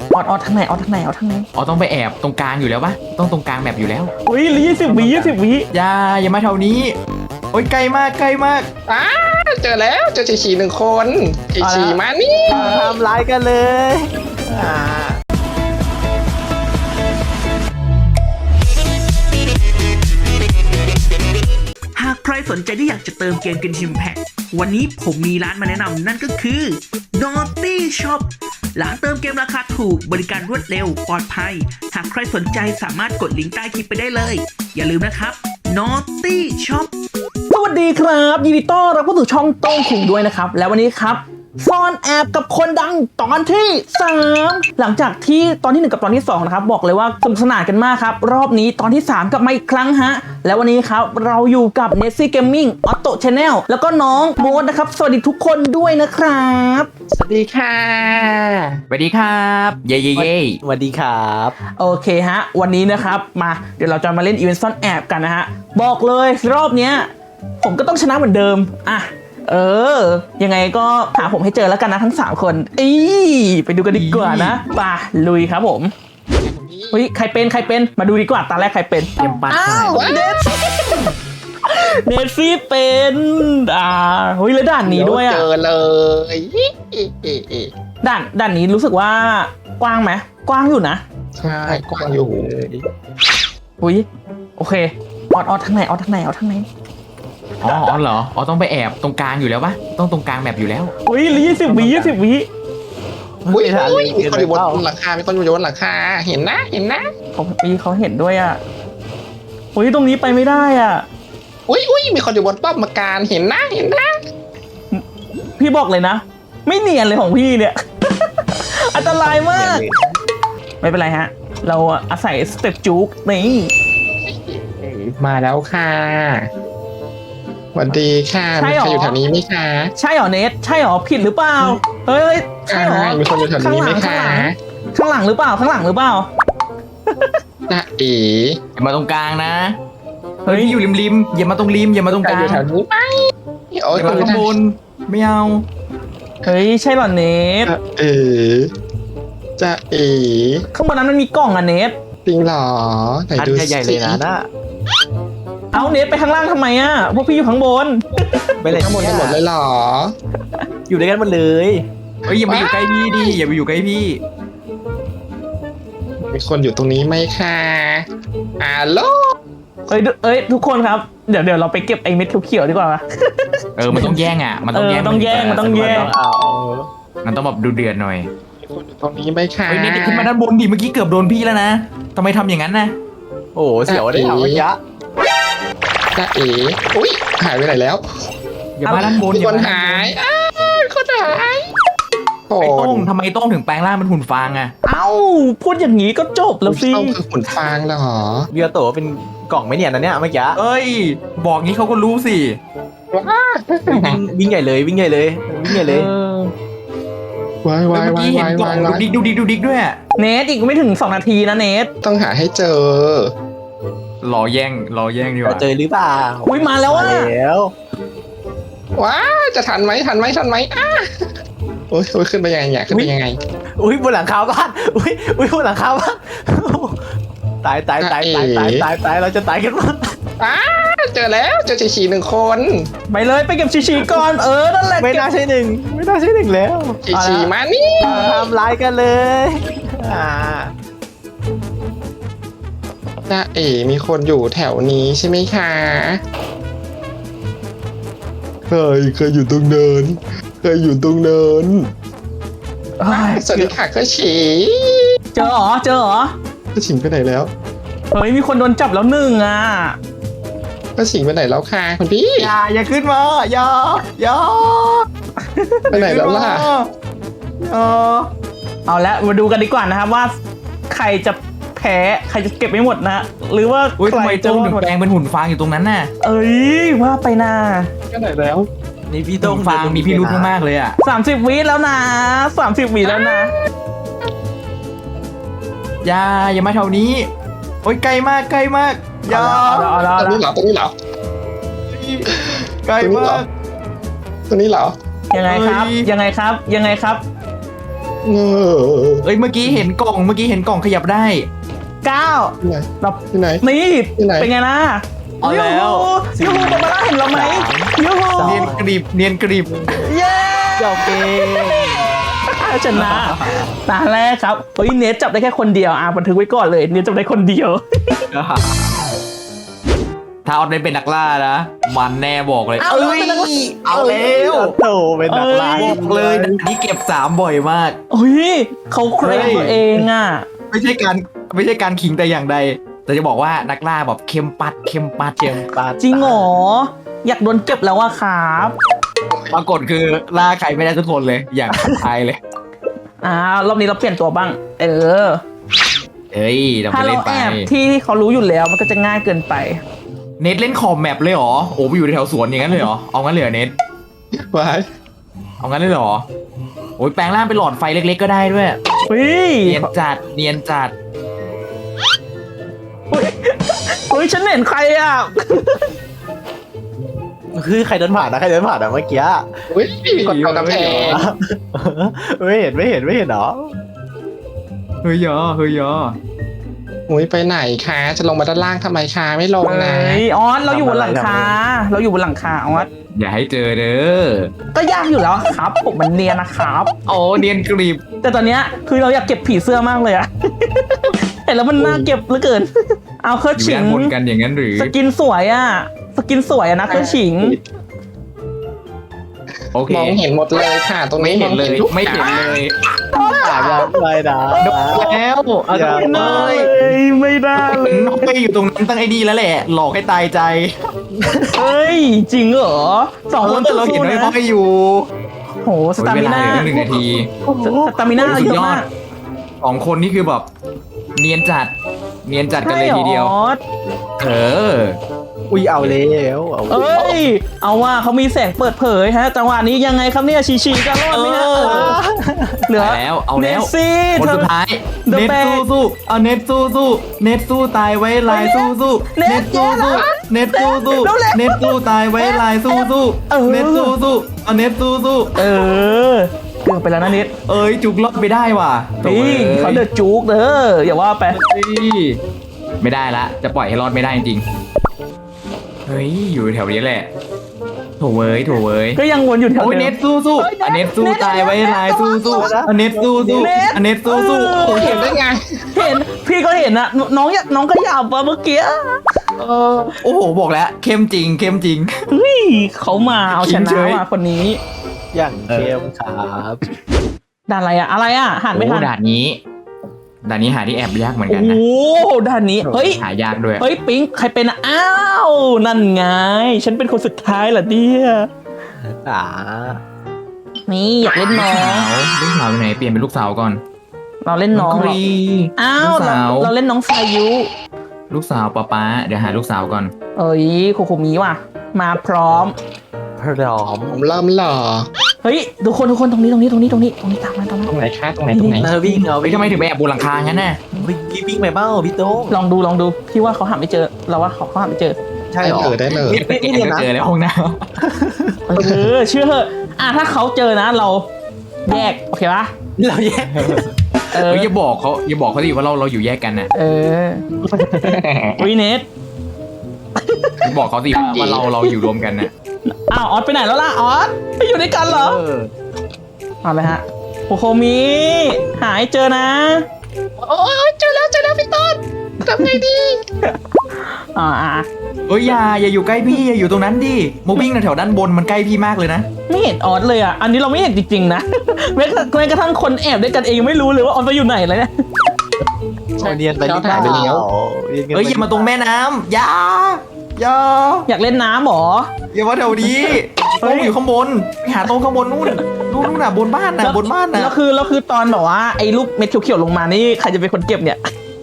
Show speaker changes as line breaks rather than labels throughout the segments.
ออดทางไหนออดทางไหน
อ๋อต้องไปแอบตรงกลางอยู่แล้วปะต้องตรงกลางแบบอยู่แล้ว
อุ้ย20 วิ
อย่ามาแถวนี้โอ้ยใกล้มาก
อ้าเจอแล้วเจอฉีหนึ่งคนฉีมานี่
ทำร้ายกันเลยอ่า
หากใครสนใจที่อยากจะเติมเกมกิน Impact วันนี้ผมมีร้านมาแนะนำนั่นก็คือ Naughty Shop ร้านเติมเกมราคาถูกบริการรวดเร็วปลอดภัย หากใครสนใจสามารถกดลิงก์ใต้คลิปไปได้เลย อย่าลืมนะครับ Naughty Shop
สวัสดีครับยินดีต้อนรับเข้าสู่ช่องโต้งขุงด้วยนะครับแล้ววันนี้ครับซ่อนแอบกับคนดังตอนที่ 3หลังจากที่ตอนที่ 1กับตอนที่2นะครับบอกเลยว่าสนุกสนานกันมากครับรอบนี้ตอนที่3กลับมาอีกครั้งฮะแล้ววันนี้ครับเราอยู่กับ Nessie Gaming Auto Channel แล้วก็น้องโมดนะครับสวัสดีทุกคนด้วยนะครับ
สวัสดีค่ะ
สวัสดีครับเย่
สวัสดีครับ
โอเคฮะวันนี้นะครับมาเดี๋ยวเราจะมาเล่นอีเวนต์ซ่อนแอบกันนะฮะบอกเลยรอบเนี้ยผมก็ต้องชนะเหมือนเดิมอ่ะยังไงก็หาผมให้เจอแล้วกันนะทั้ง3คนไปดูกันดีกว่านะป่ะลุยครับผมเฮ้ยใครเป็นมาดูดีกว่าตาแรกใครเป็น
เตรียมปัด
อ้าวเนสซี่เป็นเฮ้ยแล้วด่านนี้ด้วยอ่ะ
เจอเลย
ด่านนี้รู้สึกว่ากว้างไหมกว้างอยู่นะ
ใช่กว้างอยู่
อุ้ยโอเคออดทางไหน
อ๋อเหรออ๋อต้องไปแอบตรงกลางอยู่แล้วปะต้องตรงกลางแบบอยู่แล้ว
อุ้ย20 วิ
อุ้ยมีคนอยู่บนหลังคามีคนอยู่บนหลังคาเห็นนะ
เขาเห็นด้วยอ่ะอุ้ยตรงนี้ไปไม่ได้อ่ะ
อุ้ยมีคนอยู่บนป้อมปราการเห็นนะ
พี่บอกเลยนะ ไม่เนียนเลยของพี่เนี่ย อันตรายมาก ไม่เป็นไรฮะ เราอาศัยสเต็ปจุกนี่
มาแล้วค่ะสวัสดีค่ะมีใครอยู่แถวนี้ไหมคะ
ใช่เหรอเนทใช่เหรอผิดหรือเปล่าเฮ้ยใช่เหรอ
มีคนอยู่แถวนี้ไหมคะ
ข้างหลังหรือเปล่า
นะเอ๋
อย่ามาตรงกลางนะเฮ้ยพี่อยู่ริมอย่ามาตรงริมอย่ามาตรง
ใคร
กลาง
อยู่แถวนี้ไหมโอ้
อย ย่ามาข้างบนไม่เอา
เฮ้ยใช่เหรอเนท
เอ๋จะเอ๋
ข้างบนนั้นมันมีกล่องอะเนท
จริงเหรอไหน
อัน
ดู
ใหญ่ๆเลยนะ
เอาเนทไปข้างล่างทำไมอะพวกพี่อยู่ข้างบน
ไปเลย
ข้างบนกันหมดเลยเหรอ
อยู่ด้วยกันหมดเลย
เฮ้ยอย่ามาอยู่ใกล้พี่ดิอย่าไปอยู่ใกล้พี่
มีคนอยู่ตรงนี้ไหมคะฮัลโหล
เอ้ยทุกคนครับเดี๋ยวเราไปเก็บไอ้เม็ดเขียวๆดีกว่า
มันต้องแย่งอ่ะมันต้องแย่ง
ต้องแย่ง
มันต้องแบบดูเดือดหน่อย
มีคนอยู่ตรงนี้ไหมคะ
เฮ้ยนี่ขึ้นมาด้านบนดิเมื่อกี้เกือบโดนพี่แล้วนะทำไมทำอย่างนั้นนะ
โอ้โหเสียวได้ถามว่ายะ
จะเอ๋อุ้ยหายไปไหนแล้ว
อย่ามาด้านบน
มี
อย่า
คน
มา
หายมีคนหายโอ้
ไอ้โต้งทำไมโต้งถึงแปลงร่างเป็นหุ่นฟางอ่ะ
เอ้าพูดอย่างนี้ก็จบแล้วสิ
ต้องคือขุนฟางแล้วเหรอ
เบียโตเป็นกล่องไม่เนียนนะเนี่ยเมื่อกี้
เอ้ยบอกงี้เขาก็รู้สิ
วิ่งใหญ่เลยวิ่งใหญ่เลย
วายวา
เมื่
ย
อ
วา
กี้
ย
เห็น
วาย
กล่อ
วาง ย
ดูดิกด้วย
เนทอีกไม่ถึง2 นาทีนะเนท
ต้องหาให้เจอ
รอแย่งดีกว่า
เจอหรือเปล่า
อุ้ยมาแล้วอ่ะ
แล้ว
ว้าจะทันไหมโอ้ยขึ้นไปยังไงเนี่ยขึ้นไปยังไง
อุ้ยบนหลังคาบ้านอุ้ยบนหลังคาบ้านตายเราจะตายกันมั้ง
เจอแล้วเจอฉีหนึ่งคน
ไปเลยไปเก็บชีก่อนนั่นแหละ
ไม่น่าใช่หนึ่งแล้ว
ฉีมานี่
ทำร้ายกันเลยอ่า
จะเอ๋มีคนอยู่แถวนี้ใช่ไหมคะเคยอยู่ตรงเนิน
เฮ้ย
สวัสดีค่ะก็ฉี
เจอเหรอ
ก็ฉิงไปไหนแล้ว
เฮ้ยมีคนโดนจับแล้ว1อ่ะ
ก็ฉิงไปไหนแล้วค่ะคุณพี่
อย่าขึ้นมาอย่า
ไปไหนแล้วล่ะ
เอาละมาดูกันดีกว่านะครับว่าใครจะแพ้ใครจะเก็บไม่หมดนะหรือว่า
อุ้ย
ใคร
ทำไม
จะ
โต้งถึงแปลงเป็นหุ่นฟางอยู่ตรงนั้นน่ะ
เอ้ยว่าไปนะ
ไปไหนแล้ว
นี่พี่
หุ่
ต้อง
นฟางมีพิรุธมากๆเลยอ่ะ
30 วิแล้วนะ30 วิแล้วนะ
อย่ามาแถวนี้โอ้ยใกล้มากอย่า
เอาละ
ตรงนี้เหรอ
ใกล้มาก
ตรงนี้เหรอ
ยังไงครับ
เออ
เอ้ยเมื่อกี้เห็นกล่องขยับได้
9
ที่ไหน
เรา
ที่ไหน
นี่
ที่ไหน
เป็นไงล่ะ
เอาแล้ว
ยูฮูบาบาร่าเห็นเราไหมยูฮู
เนียนกริบ
เย้
เจ้าเกม
ชนะตาแรกครับเฮ้ยเนทจับได้แค่คนเดียวบันทึกไว้ก่อนเลยเนทจับได้คนเดียว
ถ้าออดเป็นนักล่านะมันแน่บอกเลย
เอาเลยเป็นนักล่า
เอาแล้ว
โตเป็นนักล่า
บอกเลยด่านนี้เก็บ3บ่อยมาก
เฮ้ยเขาเคลมตัวเองอ่ะ
ไม่ใช่การขิงแต่อย่างใด แต่จะบอกว่านักล่าแบบเข้มปัด
ปา
จริงเหรออยากโดนเก็บแล้วอะครับ
ปรากฏคือล่าใครไม่ได้ทุกคนเลยอย่างทายเลย
รอบนี้เราเปลี่ยนตัวบ้าง เออ
เฮ้ยเรา
ถ้า
ไป
เรา
เล่นไป
แอบที่เขารู้อยู่แล้วมันก็จะง่ายเกินไป
เน็ตเล่นคอมแมปเลยเหรอโอ้ไปอยู่แถวสวนอย่างนั้นเลยเหรอเอางั้นเลยเหรอเน็ต
ไว้
เอางั้นเลยเหรอโอ้ยแปลงร่างเป็นหลอดไฟเล็กๆก็ได้ด้วย
เฮ้ย
เนียนจัด
เฮ้ยฉันเห็นใครอ่ะ
คือใครเดินผ่านนะใครเดินผ่านอะเมื่อกี้
อุ้ยกดเอากำแพง
ไม่เห็นเหรอ
เฮ้ยยอ
อุ้ยไปไหนคะจะลงมาด้านล่างทำไมคะไม่ลงนะ
เฮ้ยออสเราอยู่บนหลังคาเราอยู่บนหลังคาออส
อย่าให้เจอเด้อ
ก็ยากอยู่แล้วครับผมมันเนียนนะครับ
โอ้เนียนกริบ
แต่ตอนเนี้ยคือเราอยากเก็บผีเสื้อมากเลยอะ เห็นแล้วมันน่าเก็บเหลือเกิน เอาเครื่อง
อยู่
ฉิ
ด้าง นบนกันอย่างนั้นหรือ
สกินสวยอะสกินสวยอะนะเครื่องฉิง
โอเค
มองเห็นหมดเลยค่ะ ตรง
ไม่
นี้
เห็นเลย
ทุก
ไม่เห็นเลย
ผ่านยังไม่นะ
โดนแล้วเอา
อย่า
โดนเลย
ไม่ได้เลย
น้องไปอยู่ตรงนั้นตั้งไอ้นี่แล้วแหละ หลอกให้ตายใจ
เฮ้ย จริงเหรอสองคน
แต่เราเห็น
สู้ๆ
ไอ้
นะ
พ่ออยู่
โหสตามิน่า
เวลาเหลือ1 นาที
สตามิน่า
สุด
เยอะ
ยอ
มา
ด
ก
2 คนนี่คือแบบเนียนจัดกันเลยทีเดียว
ใช่หรอ
เออ
อุ้ยเอาแล้วเอา
เอ้ย เอาว่าเขามีแสงเปิดเผยฮะจังหวะนี้ยังไงครับเนี่ยชีกันรอดไหมฮะเหลือ
เอาแล้วเอาแล้ว
เนสซี่
คน
เธอ
สุดท้าย
The
เน็ต
Bag
สู้เอาเน็ตสู้เน็ตสู้ตายไว้ลายสู้
เน็
เน็
ต
ตสู้เน็ตสู้
เน็ต
เน็ตสู้ตายไว้ลายสู้
เออ
เน็ตสู้เอาเน็ตสู้
เออเกือบไปแล้วนะนิด
เอ้ยจุกรอดไปได้ว่ะ
นี่เขาเดือดจุกเด้ออย่าว่าไป
ไม่ได้ละจะปล่อยให้รอดไม่ได้จริงๆเฮ้ยอยู่แถวนี้แหละโถเว้ย
ก็ยังวนอยู่แถว
โอ้ย
เดิ
เน็
ม
ตสู้อันเน็ตสู้ตายไว้ลายสู้อันเน็ตสู้อันเน็ตสู้
โอ้เห็นได้ไง
เห็นพี่ก็เห็นนะน้องขยับมาเมื่อกี้
โอ้โหบอกแล้วเข้มจริง
เฮ้ยเขามาเอาชนะ
เฉย
ว่ะคนนี้
อย่างเข้มครับ
ด่านอะไรอ่ะหันไม่ทัน
ด่านนี้หาที่แอบยากเหมือนกันนะ
โอ้ด่านนี้เฮ้ย
หายากด้วย
เฮ้ยปิ๊งใครเป็นอ่ะอ้าวนั่นไง ฉันเป็นคนสุดท้ายเหรอเนี่ย
อ่า
นี่อยากเล่นน้อง
ลูกสาวอยู่ไหนเปลี่ยนเป็นลูกสาวก่อน
เราเล่นน้อง
ค
เหรอ
รี
อ้าว
ลูกสาว
เราเล่นน้องสายุ
ลูกสาวป๊าเดี๋ยวหาลูกสาวก่อน
เอ้ยโคโคมิว่ะ มาพร้อม
พร้อม
ผมเริ่มหล่อ
เฮ้ยทุกคนตรงนี้ตามมา
ตรงไหนคะตรงไหน
เออวิ่งเอา
เฮ้ยทำไมถึงไปแอบบนหลังคางั้นน่ะ
วิ่งไปเปล่าพี่โต้ง
ลองดูพี่ว่าเขาหาไม่เจอเราว่าเขาหาไม่เจอ
ใช่
ได้
หรอ
เลยได้เลย
ไม่เรียนนะ
เจอแล้วห้องน้
เออเชื่อเถอะถ้าเขาเจอนะเราแยกโอเคปะ
เราแยก
เอ
ำ
อ
เฮ้ยอย่าบอกเขาดิว่าเราอยู่แยกกันนะ
เออวิเนส
อย่าบอกเขาสิว่าเราอยู่รวมกันนะ
อ้าวออสไปไหนแล้วล่ะออสไปอยู่ด้วยกันเหรอเอาเลยฮะโคโคมิหายเจอนะ
โอ้ยเจอแล้วพี่ต้นทำไงดี
อ่า
เอ้ยอย่าอยู่ใกล้พี่อย่าอยู่ตรงนั้นดิมาวิ่งแถวด้านบนมันใกล้พี่มากเลยนะ
ไม่เห็นออสเลยอ่ะอันนี้เราไม่เห็นจริงๆนะ แม้กระทั่งคนแอบด้วยกันเองยังไม่รู้เลยว่าออสไปอยู่ไหนเลยเนี่ย
เรียนไปหรือเปล่า
เอ้ยอย่ามาตรงแม่น้ำอย่า
อยากเล่นน้ำหรอ
อย่ามาแถวนี้
เฮ้
โต๊ะ
ย
อยู่ข้างบนไปหาโต๊ะข้างบนนู่นน่ะบนบ้านน่ะ
แล้วคือตอนแบบว่าไอ้ลูกเม็ดเขียวๆลงมานี่ใครจะเป็นคนเก็บเนี่ย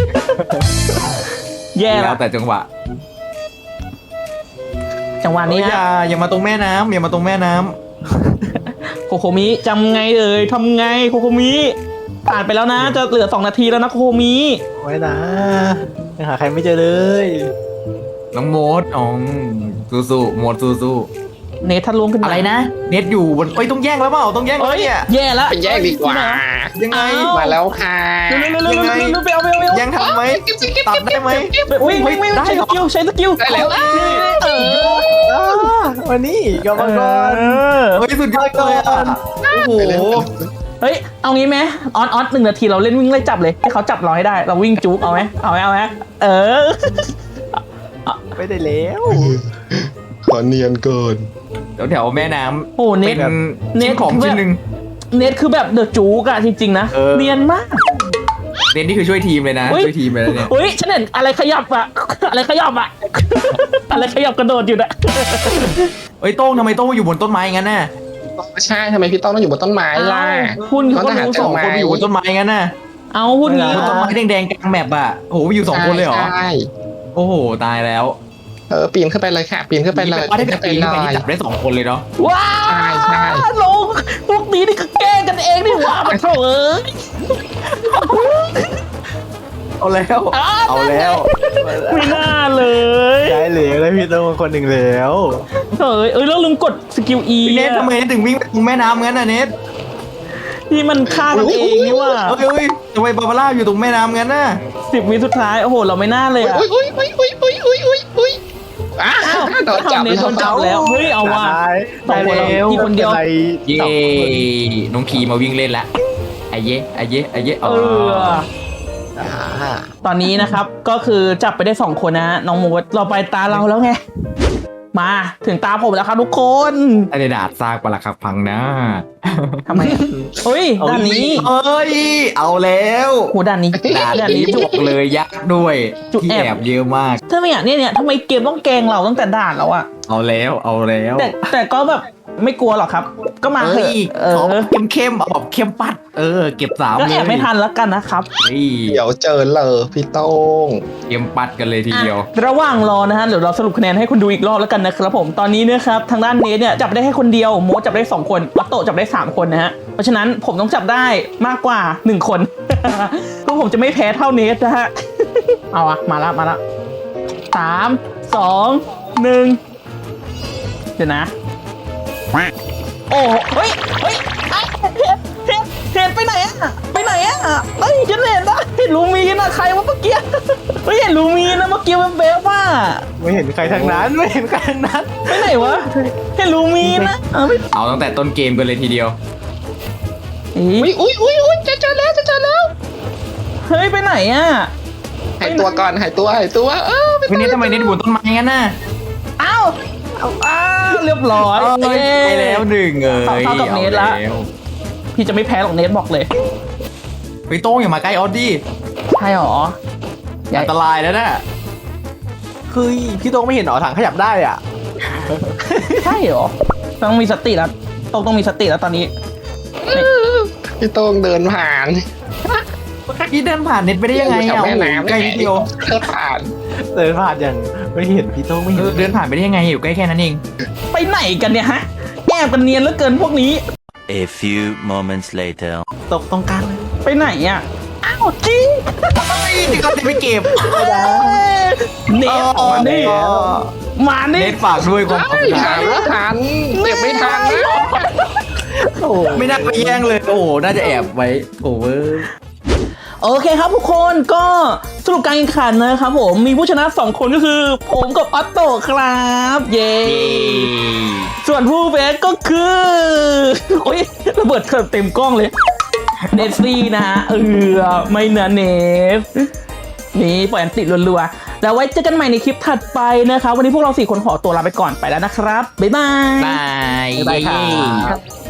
แย่
แล้
แล้ว ว
แต่จังหวะ
จังหวะนี้
เอ้ย
ฮะ
อย่ามาตรงแม่น้ำอย่ามาตรงแม่น้ำ
โคโคมิจำไงเลยทำไงโคโคมิผ่านไปแล้วนะ จะเหลือ2 นาทีแล้วนะโคโคมิ
ไว้นะยังหาใครไม่เจอเลย
น้องโมดอ๋อสู้ๆโมดสู้
เนทถ้าลวงขึ้นมา
อะไรนะ เน็ตอยู่บนเอ้ยต้องแย่งแล้วเปล่าต้องแย่งแล้ว
เอ้ย
เนี่ย
แย่แล้ว
ไปแยกดีกว่า
ยังไง
มาแล้วค่ะ
เร็วๆๆๆๆไปเอา
แย่งทันไหมตัดได้ไหม
วิ่งใช้สกิลใช้สกิล
ได้แล้ว
วันนี้กรรมกร
เฮ้ยสุดยอดเลยอ่ะโอ้โห
เฮ้ยเอางี้ไหมออน1 นาทีเราเล่นวิ่งไล่จับเลยให้เขาจับเราให้ได้เราวิ่งจุกเอาไหมเออ
ไม่ได้แล้ว
ขอเนียนเกิน
แถวแม่น้
โอ้
ำ
เน
เป็
ท
น
เน็
ชิ้
ต
นของชิ้นหนึ่ง
เนทคือแบบเดอะจูกอะจริงๆนะ
เออ
เนียนมาก
เน็ตนี่คือช่วยทีมเลยนะ
เฮ้ย
ช่วยทีมเลยนะเนี่ย
เฮ้ยฉันเห็นอะไรขยับอะอะไรขยับอะอะไรขยับกระโดดอยู่นะ
เอ้ยโต้งทำไมโต้งอยู่บนต้นไม้งั้นน่ะ
ใช่ทำไมพี่ต้องอยู่บนต้นไม้ล่ะ
คุณ
เขา
เขา
จะหา
รู้
เจ
ส
อ
อง
ไหม
คนอยู่บนต้นไม้งั้นน่ะ
เอาพูดงี้
บนต้นไม้แดงๆกลางแมปอ่ะโอ้โหอยู่2 คนเลยเหรอ
ใช่
โอ้โหตายแล้ว
ปีนขึ้นไปเลยค่ะ ปีนขึ้นไปเลย
ว่าถ้าเกิด
ไป
ปีน
เล
ขึ้นไป
ย
นี่จับได้2 คนเลยเนาะ
ว้า
ใช่
ลงพวกนี้นี่ก็แกล้งกันเองนี่หว่ามันเถอะเอ้ย
เอาแล้วเอาแล้ว
ไม่น่าเลย
ได้เหลวแล้วพี่โต้งคนหนึ่งแล้ว
เอ้ยแล้วลืมกดสกิล E
พี่เนททำไมถึงวิ่งไปตรงแม่น้ำงั้นน่ะเนท
ที่มันฆ่ากันเองนี่ว่า
เฮ้ยทำไมบาบาร่าอยู่ตรงแม่น้ำงั้นน่ะ
10 วิสุดท้ายโอ้โหเราไม่น่าเลยอะ
อุ้ยอ้าวโดนจับ
เนทโดนจับแล้วเฮ้ยเอาว่ะ สองคนเราพี่คนเดียว
เย้น้องพีมาวิ่งเล่นละไอ้เย้
เออตอนนี้นะครับก็คือจับไปได้2 คนนะน้องโมดเราไปตาเราแล้วไงมาถึงตาผมแล้วครับทุกคน
ไอ้ดาดซากปลักหักพังนะ
ทำไมอะเฮ้ยด้านนี้
เอ้ยเอาแล้ว
โหด้านนี้
ด่านนี้จุกเลยยักษ์ด้วย
จุก
ที่
แอบ
แอบเยอะมาก
ทำไมอ่ะเนี่ยทำไมเกมต้องแกล้งเราตั้งแต่ด่านแล้วอ่ะ
เอาแล้ว
แต่ก็แบบไม่กลัวหรอกครับ ก็มาเถ
เฮ้
อะ
ย
เอ
ขอ
อ
เข้มเอาแบบเข้มปัด เก็บ3
ก็
เล
แอย บไม่ทันแล้วกันนะครับ
เฮ้ย
เดี๋ยวเจอเลยพี่โต้ง
เข้มปัดกันเลยทีเดียว
อ่ะระหว่างรอนะฮะเดี๋ยวเราสรุปคะแนนให้คุณดูอีกรอบแล้วกันนะครับผมตอนนี้นะครับทางด้านเนทเนี่ยจับได้แค่คนเดียวโมดจับได้2 คนวัตโตะจับได้3 คนนะฮะเพราะฉะนั้นผมต้องจับได้มากกว่า1 คน ก็ผมจะไม่แพ้เท่าเนทนะฮะ เอาอะมาละ3 2 1เดี๋ยวนะโอ้เฮ้ยเห็นไปไหนอะเฮ้ยฉันเห็นนะเห็นลูมีนอะใครวะเมื่อกี้เฮ้ยเห็นลูมีนนะเมื่อกี้มันเบฟว่า
ไม่เห็นใครทั้งนั้นไม่เห็นใครทั้งนั้น
ไปไหนวะเห็นลูมีนนะไม่
เอาตั้งแต่ต้นเกมกันเลยทีเดียว
อุ้ยจะเจอแล้ว
เฮ้ยไปไหนอะ
หายตัวก่อนหายตัว
วันนี้ทำไมเน็ตบนต้นไม้งั้นน่ะ
อ้าวเรียบร้อย
ไปแล้ว1
เท่ากับเนทละ พี่จะไม่แพ้หรอกเนทบอกเลย
ไปโต้งอย่ามาใกล้ออสดี้
ใช่หรอ
อันตรายแล้วนะ
คือพี่โต้งไม่เห็นหรอถังขยับได้อ่ะ
ใช่หรอต้องมีสติแล้วต้องมีสติแล้วตอนนี้
พี่โต้งเดินผ่าน
พี่เดินผ่านเน็ตไปได้ยังไง
แถว
อ่ะ
แม่น้ำ
ใกล้นิดเดียว
เดินผ่าน
เดินผ่านอย่างไม่เห็นพี่โต้งไม่เห็น
เดินผ่านไปได้ยังไงอยู่ใกล้แค่นั้นเอง
ไปไหนกันเนี่ยฮะแอบกันเนียนเหลือเกินพวกนี้
A few moments later.
ตกตรงกลางเลย
ไปไหนอะอ้าวจริง
นี่ก็จะไปเก็บ
เนทมานี่
เน็ตฝากด้วยความปลอดภั
ผ่าย นแล้วทันเก็บไม่ทันนะ
ไม่น่าไปแย่งเลยโอ้โหน่าจะแอบไว้โอเวอร์
โอเคครับทุกคนก็สรุปการแข่งขันนะครับผมมีผู้ชนะ2 คนก็คือผมกับออตโต้ครับเย้ส่วนผู้แพ้ก็คือโอ้ยระเบิดเต็มกล้องเลยเนสซี่นะฮะไม่นะเนสนี่ปล่อยอันติดรัวๆแล้วไว้เจอกันใหม่ในคลิปถัดไปนะครับวันนี้พวกเรา4 คนขอตัวลาไปก่อนไปแล้วนะครับบ๊ายบาย
บาย
บ๊ายบายครับ